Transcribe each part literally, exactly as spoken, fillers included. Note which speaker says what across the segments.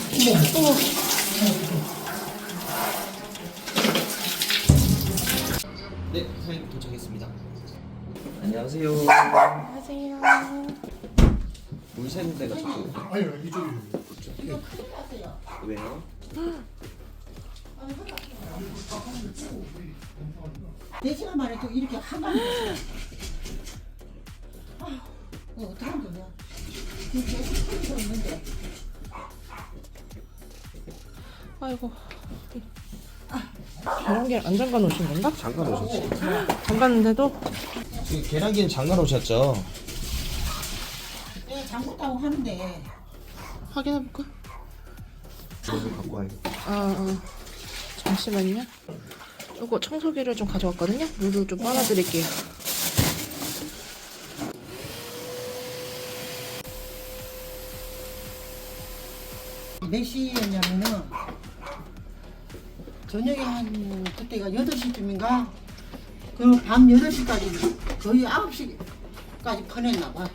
Speaker 1: 네, 사장님 도착했습니다. 안녕하세요.
Speaker 2: 안녕하세요.
Speaker 1: 물 새는 데가 저쪽.
Speaker 3: 아니요, 이쪽이.
Speaker 1: 왜요?
Speaker 4: 네 시간 만에 또 이렇게 한 방에 됐어요. 아, 어, 어떡하면 되냐. 계속 소리가 있는데.
Speaker 2: 아이고. 계란기를 안 잠가 놓으신 건가?
Speaker 1: 잠깐 오셨지.
Speaker 2: 잠갔는데도?
Speaker 1: 지금 계란기는 잠깐 오셨죠?
Speaker 4: 내가 잠궜다고 하는데.
Speaker 2: 확인해볼까?
Speaker 1: 이거 갖고 와야겠다.
Speaker 2: 아, 아. 잠시만요. 이거 청소기를 좀 가져왔거든요? 물을 좀 빨아드릴게요.
Speaker 4: 몇 시였냐면은 저녁에 한 그때가 여덟 시쯤인가 그럼 밤 여덟 시까지 거의 아홉 시까지 퍼냈나 봐.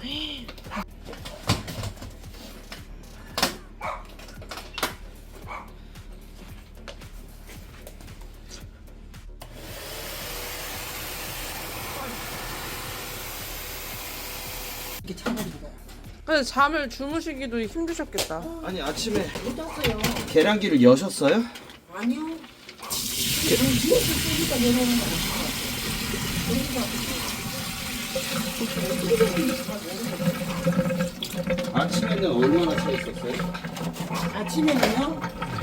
Speaker 4: 이렇게 차버린 거야.
Speaker 2: 근데 잠을 주무시기도 힘드셨겠다.
Speaker 1: 아니 아침에
Speaker 4: 못 잤어요.
Speaker 1: 계란기를 여셨어요?
Speaker 4: 아니요. 그럼 뒤에서 쏘니까 내려오는 거
Speaker 1: 아침에는 얼마나 차 있었어요?
Speaker 4: 아침에는요?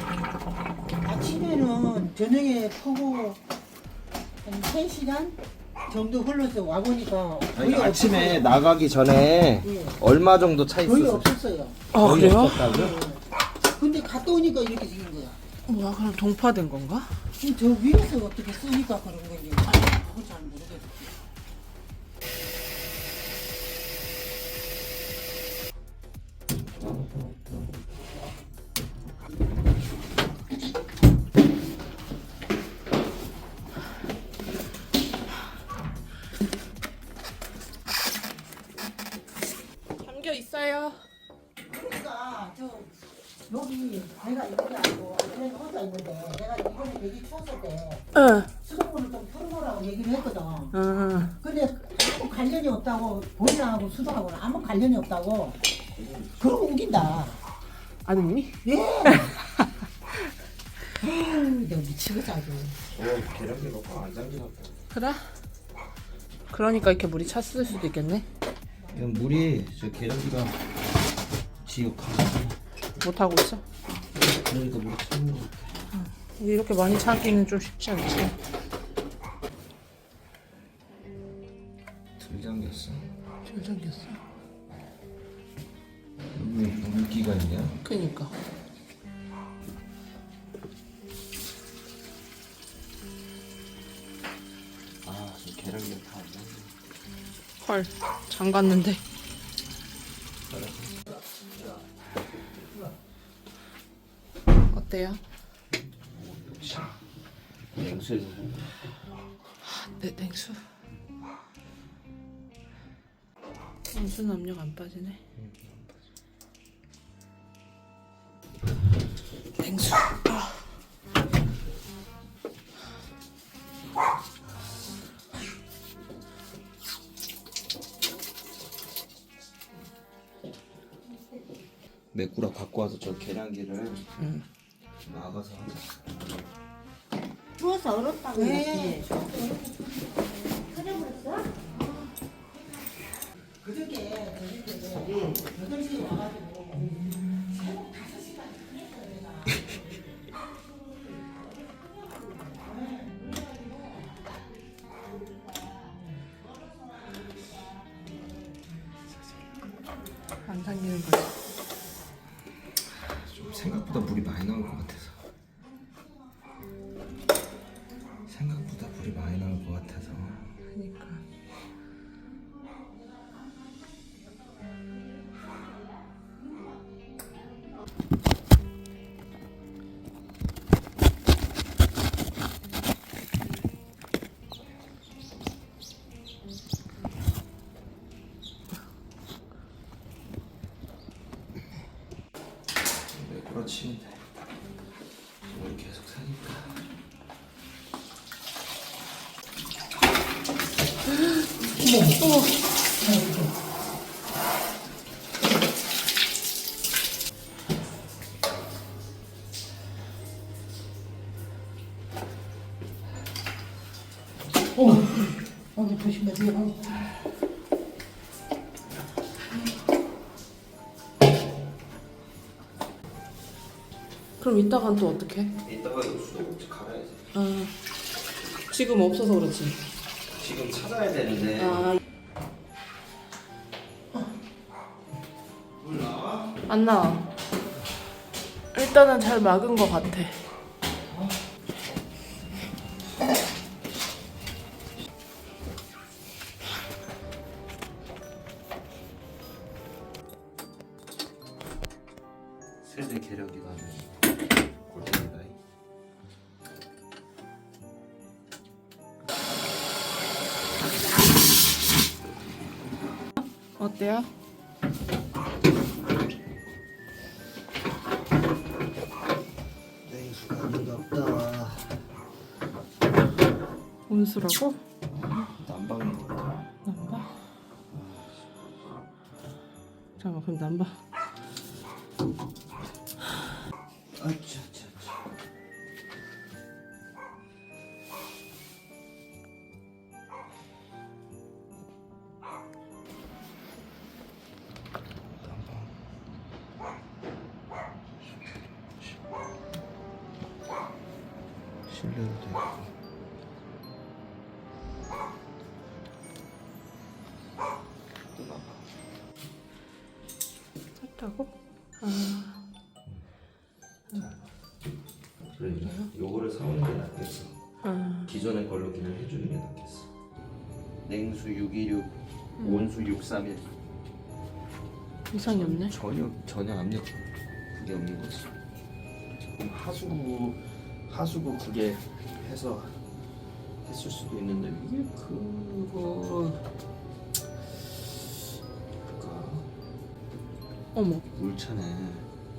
Speaker 4: 아침에는 저녁에 퍼고 한 세 시간 정도 흘러서 와보니까
Speaker 1: 아니,
Speaker 4: 거의
Speaker 1: 아침에
Speaker 4: 없었어요.
Speaker 1: 나가기 전에
Speaker 4: 예.
Speaker 1: 얼마 정도 차
Speaker 4: 거의
Speaker 1: 있었어요?
Speaker 4: 없었어요.
Speaker 2: 아,
Speaker 1: 거의
Speaker 2: 그래요?
Speaker 1: 없었다고요?
Speaker 4: 근데 갔다 오니까 이렇게 생긴 거야.
Speaker 2: 뭐야, 그럼 동파된 건가?
Speaker 4: 지금 저 위에서 어떻게 쏘니까 그런 건지 그걸 잘 모르겠어요.
Speaker 2: 잠겨 있어요.
Speaker 4: 그러니까 저 여기 내가 이렇게 하고 안에 혼자 있는데 내가 이번에 되게 추웠을 때
Speaker 2: 응.
Speaker 4: 수돗물을 좀 틀어놓으라고 얘기를 했거든.
Speaker 2: 응.
Speaker 4: 근데 아무 관련이 없다고 보이랑하고 수도하고는 아무 관련이 없다고 그러고 우긴다.
Speaker 2: 아드님이?
Speaker 4: 예. 아유, 내가 미치겠어 아주.
Speaker 1: 어, 계란기 놓고 안 잠기나 보다.
Speaker 2: 그래? 그러니까 이렇게 물이 찼을 수도 있겠네.
Speaker 1: 이건 물이 저 계란기가 지옥하고
Speaker 2: 못하고 있어.
Speaker 1: 그러니까 물이 차는 거 같아.
Speaker 2: 이렇게 많이 차기는 좀 쉽지 않지.
Speaker 1: 덜 잠겼어.
Speaker 2: 잘 잠겼어.
Speaker 1: 왜 물기가 있냐?
Speaker 2: 그니까.
Speaker 1: 아, 저 계란기가 다 안 잠겨.
Speaker 2: 헐, 잠갔는데. 어때요?
Speaker 1: 냉수
Speaker 2: 네, 냉수. 냉수는 압력 안 빠지네. 냉수. 아.
Speaker 1: 메꾸라 갖고 와서 저 계란기를
Speaker 2: 응.
Speaker 1: 나가서 하자.
Speaker 4: 추워서 얼었다고 네. 그저께 저녁에 여덟 시에 와가지고 새벽 다섯 시까지 끝냈어요 내가.
Speaker 2: 안 당기는 거지.
Speaker 1: 좀 생각보다 물이 많이 나올 것 같아서. 생각보다 물이 많이 나올 것 같아서.
Speaker 2: 그러니까.
Speaker 1: 걸어치면 돼. 우리 계속 사니까.
Speaker 4: 어, 어, 조심하세요.
Speaker 2: 그럼 이따간 또 어떻게?
Speaker 1: 이따가 이거 수도꼭지 갈아야지.
Speaker 2: 아, 지금 없어서 그렇지.
Speaker 1: 지금 찾아야 되는데.
Speaker 2: 아,
Speaker 1: 물 나와?
Speaker 2: 안 나와. 일단은 잘 막은 것 같아.
Speaker 1: 세대 계량기가 하면 골든이다.
Speaker 2: 어때요?
Speaker 1: 냉수가 아닌가 보다.
Speaker 2: 온수라고?
Speaker 1: 난방인 것 같아.
Speaker 2: 난방? 잠깐만, 그럼 난방.
Speaker 1: 아차차차. 실내도 되고.
Speaker 2: 했다고? 아,
Speaker 1: 그래, 요거를 사오는 게 낫겠어.
Speaker 2: 아.
Speaker 1: 기존의 걸로 그냥 해주는 게 낫겠어. 냉수 육이육, 온수 육삼일.
Speaker 2: 이상이 없네.
Speaker 1: 전혀 전혀 압력 그게 없는 거지. 그럼 하수구 하수구 그게 해서 했을 수도 있는데 이게 그거 그니까
Speaker 2: 어머.
Speaker 1: 물차네.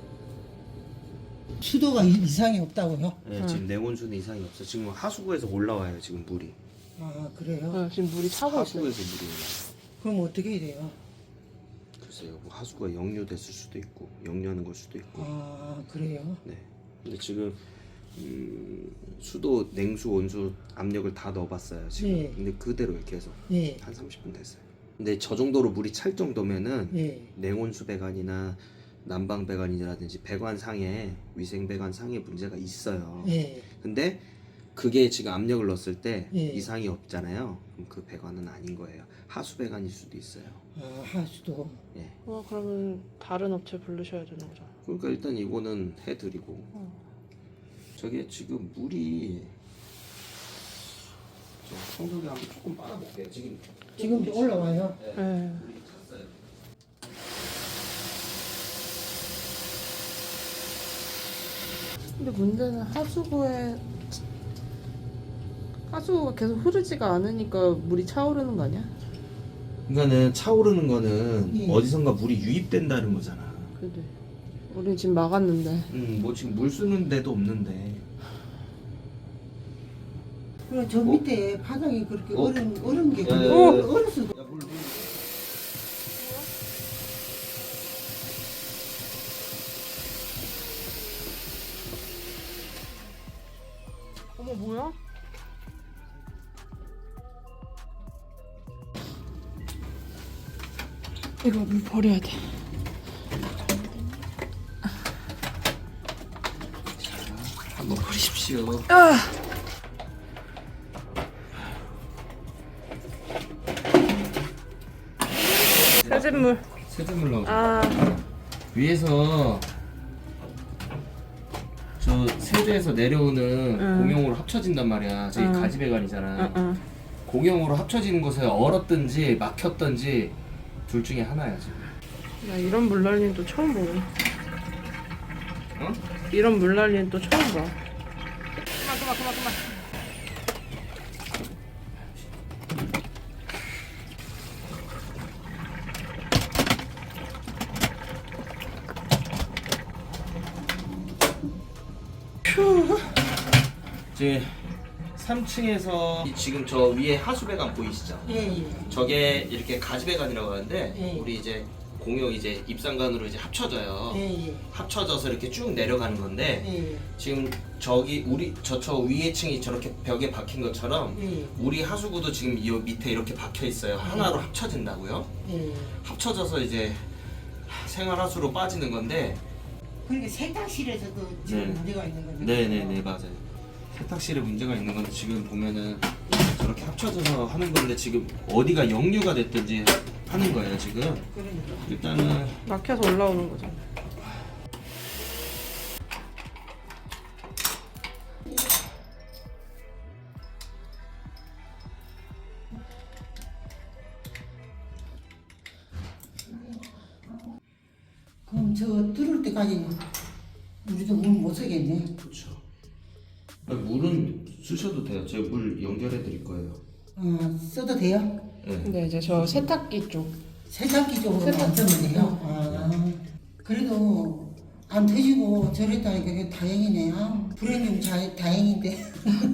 Speaker 4: 수도가 이- 이상이 없다고요?
Speaker 1: 네, 지금 냉온수는 이상이 없어. 지금 하수구에서 올라와요. 지금 물이.
Speaker 4: 아, 그래요?
Speaker 2: 어, 지금 물이 차고 있어.
Speaker 1: 하수구에서 물이 올라.
Speaker 4: 그럼 어떻게 해야 돼요?
Speaker 1: 글쎄요. 뭐 하수구가 역류됐을 수도 있고 역류하는 걸 수도 있고.
Speaker 4: 아, 그래요?
Speaker 1: 네. 근데 지금 음, 수도 냉수 온수 압력을 다 넣어봤어요 지금.
Speaker 4: 네.
Speaker 1: 근데 그대로요 계속.
Speaker 4: 예,
Speaker 1: 한 삼십 분 됐어요. 근데 저 정도로 물이 찰 정도면은
Speaker 4: 예,
Speaker 1: 냉온수 배관이나 난방 배관이라든지 배관상에 위생 배관상에 문제가 있어요.
Speaker 4: 예.
Speaker 1: 근데 그게 지금 압력을 넣었을 때
Speaker 4: 예.
Speaker 1: 이상이 없잖아요. 그럼 그 배관은 아닌 거예요. 하수 배관일 수도 있어요.
Speaker 4: 아, 하수도.
Speaker 1: 예.
Speaker 2: 어, 그러면 다른 업체 부르셔야 되는 거잖아.
Speaker 1: 그러니까 일단 이거는 해드리고.
Speaker 2: 어.
Speaker 1: 저게 지금 물이 저 청소기 한번 조금 빨아볼게요. 지금
Speaker 4: 지금 올라와요.
Speaker 2: 네.
Speaker 1: 물이 찼어요.
Speaker 2: 근데 문제는 하수구에 하수구가 계속 흐르지가 않으니까 물이 차오르는 거 아니야?
Speaker 1: 그러니까는 차오르는 거는
Speaker 4: 예.
Speaker 1: 어디선가 물이 유입된다는 거잖아.
Speaker 2: 근데 우리 지금 막았는데.
Speaker 1: 음, 뭐 지금 물 쓰는 데도 없는데.
Speaker 4: 그럼 저 밑에 바닥이 그렇게
Speaker 1: 어?
Speaker 4: 얼은, 얼은 게
Speaker 1: 야, 야, 야,
Speaker 4: 얼-
Speaker 1: 야.
Speaker 4: 얼었어.
Speaker 1: 야, 물, 물.
Speaker 2: 어머, 뭐야? 이거 물 버려야 돼.
Speaker 1: 한번 버리십시오.
Speaker 2: 아! 세진물.
Speaker 1: 세제물 나오죠.
Speaker 2: 아,
Speaker 1: 위에서 저 세대에서 내려오는
Speaker 2: 응.
Speaker 1: 공용으로 합쳐진단 말이야. 저기
Speaker 2: 응.
Speaker 1: 가지배관이잖아.
Speaker 2: 응, 응.
Speaker 1: 공용으로 합쳐지는 곳에 얼었든지 막혔든지 둘 중에 하나야 지금.
Speaker 2: 나 이런 물난리는 또 처음 보네.
Speaker 1: 어?
Speaker 2: 이런 물난리는 또 처음 봐. 그만, 그만, 그만, 그만. 휴.
Speaker 1: 이제 삼 층에서 지금 저 위에 하수배관 보이시죠?
Speaker 4: 예, 예.
Speaker 1: 저게 이렇게 가지배관이라고 하는데
Speaker 4: 예.
Speaker 1: 우리 이제 공용 이제 입상관으로 이제 합쳐져요.
Speaker 4: 예, 예.
Speaker 1: 합쳐져서 이렇게 쭉 내려가는 건데
Speaker 4: 예,
Speaker 1: 지금 저기 우리 저저 위에 층이 저렇게 벽에 박힌 것처럼
Speaker 4: 예.
Speaker 1: 우리 하수구도 지금 이 밑에 이렇게 박혀 있어요. 하나로 합쳐진다고요.
Speaker 4: 예.
Speaker 1: 합쳐져서 이제 생활 하수로 빠지는 건데.
Speaker 4: 그러니까 세탁실에서도 지금
Speaker 1: 네.
Speaker 4: 문제가 있는 거죠.
Speaker 1: 네네네 맞아요. 세탁실에 문제가 있는 건데 지금 보면은 저렇게 합쳐져서 하는 건데 지금 어디가 역류가 됐든지 하는 거예요 지금.
Speaker 4: 그러니까.
Speaker 1: 일단은
Speaker 2: 막혀서 올라오는 거죠.
Speaker 4: 그럼 저 뚫을 때까지 우리도 물 못 쓰겠네.
Speaker 1: 그렇죠. 물은 쓰셔도 돼요. 제가 물 연결해 드릴 거예요.
Speaker 4: 어, 써도 돼요?
Speaker 1: 네.
Speaker 2: 근데 이제 저 세탁기 쪽.
Speaker 4: 세탁기 쪽으로
Speaker 2: 세탁-
Speaker 4: 안 쓰면 돼요? 아, 그래도 안 터지고 저랬다니까 그게 다행이네요. 불행용 자, 다행인데.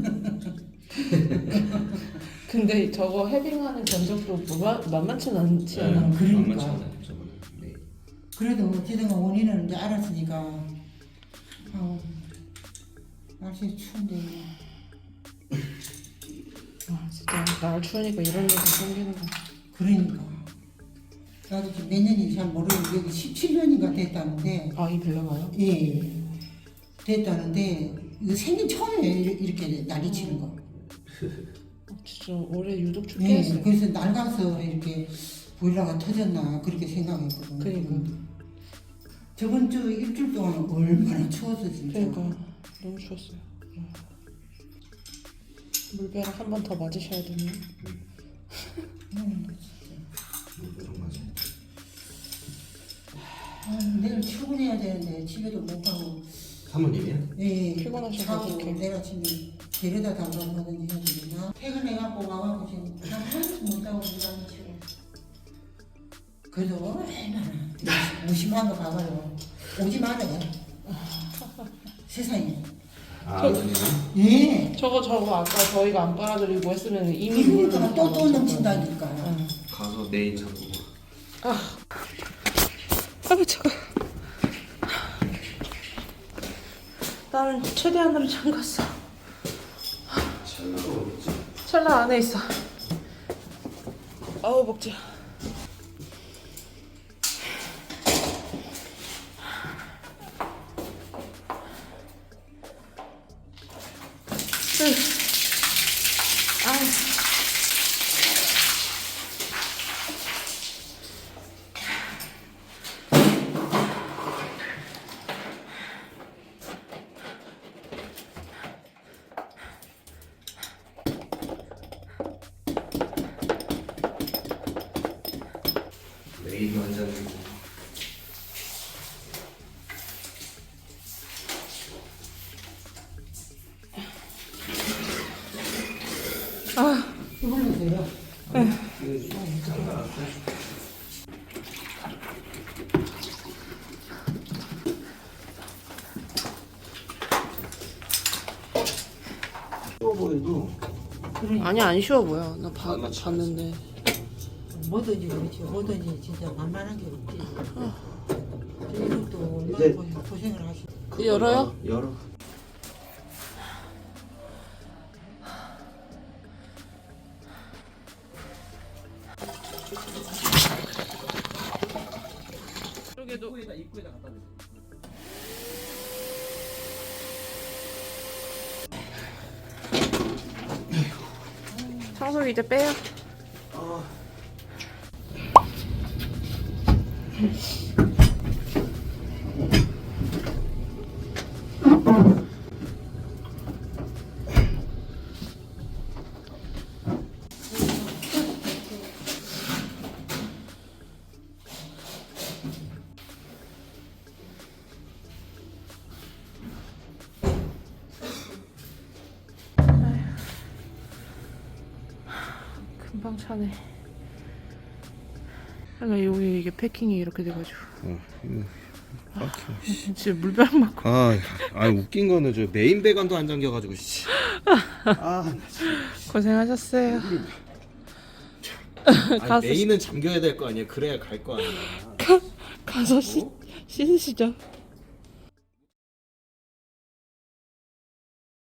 Speaker 2: 근데 저거 해빙하는 견적도 뭐 만만치 않지 않아?
Speaker 4: 네. 그러니까.
Speaker 1: 만만치 않아요, 저번에. 네.
Speaker 4: 그래도 어찌든가 원인은 이제 알았으니까. 아우, 날씨 추운데.
Speaker 2: 아 진짜 날 추우니까 이런 일도 생기는 거.
Speaker 4: 그러니까. 나도 지금 몇 년인지 잘 모르는데 여기 십칠 년인가 됐다는데.
Speaker 2: 아 이 빌라가요?
Speaker 4: 예. 됐다는데 이거 생긴 처음이에요. 이렇게- 이렇게 난리 치는 거.
Speaker 2: 어, 진짜 올해 유독 춥게
Speaker 4: 네,
Speaker 2: 했어요.
Speaker 4: 그래서 낡아서 이렇게 보일러가 터졌나 그렇게 생각했거든.
Speaker 2: 그러니까.
Speaker 4: 저번 주 일주일 동안 얼마나 추웠어 진짜.
Speaker 2: 그러니까 너무 추웠어요. 물벼락 한 번 더 맞으셔야 되네요.
Speaker 4: 음,
Speaker 1: 이런 거죠.
Speaker 4: 아, 내일 출근해야 되는데 집에도 못 가고.
Speaker 1: 사모님이요?
Speaker 4: 예,
Speaker 2: 피곤하셔서
Speaker 4: 차고
Speaker 2: 어떡해.
Speaker 4: 내가 지금 데려다 달라고 하든지 해야 되나. 퇴근해갖고 와갖고 지금 한 한숨 못 자고 일하는 치고. 그래도 얼마나 무심한 거 봐봐요. 오지 말아요. 세상에.
Speaker 1: 아, 아버님은?
Speaker 4: 예.
Speaker 2: 저거 저거 아까 저희가 안 빨아드리고 했으면 이미
Speaker 4: 그러니까
Speaker 2: 물을
Speaker 4: 또 또
Speaker 2: 다
Speaker 4: 넘친다니까.
Speaker 2: 응.
Speaker 1: 가서 내일 자고.
Speaker 2: 아이고 차가. 나는 최대한으로 잠갔어.
Speaker 1: 첼라가 어딨지?
Speaker 2: 찰나 안에 있어. 아우 먹자. 아.
Speaker 1: 내일 완장이고.
Speaker 2: 아.
Speaker 4: 이걸로 돼요.
Speaker 1: 쉬워 보여도
Speaker 2: 아니 안 쉬워 보여. 나 봐,
Speaker 1: 안 맞지
Speaker 2: 봤는데.
Speaker 4: 뭐든지 그렇지. 뭐든지 진짜 만만한 게 없지. 이것도 얼마나
Speaker 1: 이제-
Speaker 4: 고생- 고생을 하시.
Speaker 2: 이제 열어요?
Speaker 1: 열어.
Speaker 2: 저기도
Speaker 1: 입구에다 입구에다 갖다 대.
Speaker 2: 청소기 이제 빼요.
Speaker 1: 아.
Speaker 2: 금방 차네. 그러니까 여기 이게 패킹이 이렇게 돼가지고.
Speaker 1: 어, 이거 빡쳐.
Speaker 2: 지금 물병 맞고.
Speaker 1: 아, 아 웃긴 거는 저 메인 배관도 안 잠겨가지고 씨. 아, 나 진짜.
Speaker 2: 고생하셨어요.
Speaker 1: 아니,
Speaker 2: 가서
Speaker 1: 메인은 잠겨야 될 거 아니야. 그래야 갈 거 아니야.
Speaker 2: 가서 씻, 씻으시죠.